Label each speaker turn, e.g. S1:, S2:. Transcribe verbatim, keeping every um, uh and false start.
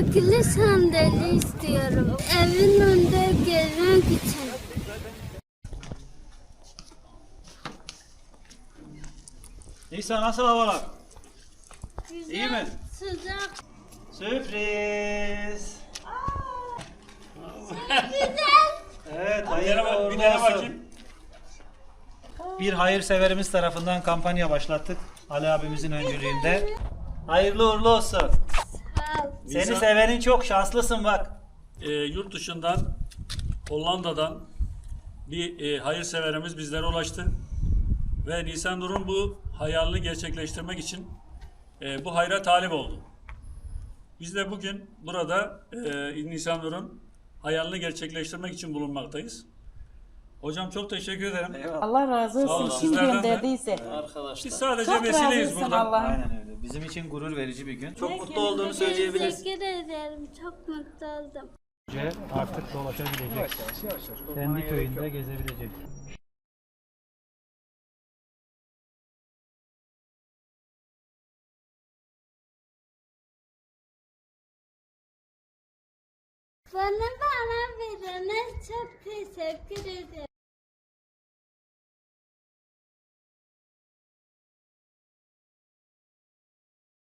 S1: akıllı sandalye istiyorum. Evin önünde gezmek için.
S2: Nisa, nasıl havalar?
S1: Güzel,
S2: İyi mi?
S1: sıcak.
S2: Sürpriz.
S1: Güzel.
S2: Evet,
S3: Bir
S2: hayırlı
S3: dene,
S2: uğurlu
S3: bir dene
S2: olsun.
S3: bakayım.
S2: Bir hayırseverimiz tarafından kampanya başlattık. Ali abimizin öncülüğünde. Hayırlı uğurlu olsun.
S1: Sağ ol.
S2: Seni
S3: Nisa-
S2: sevenin çok, şanslısın bak.
S3: E, yurt dışından, Hollanda'dan bir e, hayırseverimiz bizlere ulaştı. Ve Nisan Nur'un bu hayalini gerçekleştirmek için e, bu hayra talip oldu. Biz de bugün burada e, Nisan Nur'un hayalini gerçekleştirmek için bulunmaktayız. Hocam çok teşekkür ederim.
S2: Eyvallah.
S4: Allah razı
S3: Sağ olun,
S4: olsun. Kim
S3: sizlerden de.
S4: gönderdiyse.
S3: Biz sadece
S4: Çok
S3: vesileyiz
S4: razısın
S3: burada.
S4: Allah'ım.
S2: Aynen öyle. Bizim için gurur verici bir gün. Çok
S4: Ne
S2: mutlu
S4: kendine
S2: olduğunu söyleyebiliriz.
S1: Teşekkür ederim. Çok mutlu oldum.
S2: Artık dolaşabilecek. Kendi köyünde gezebilecek.
S1: Bana bana verene çok teşekkür ederim.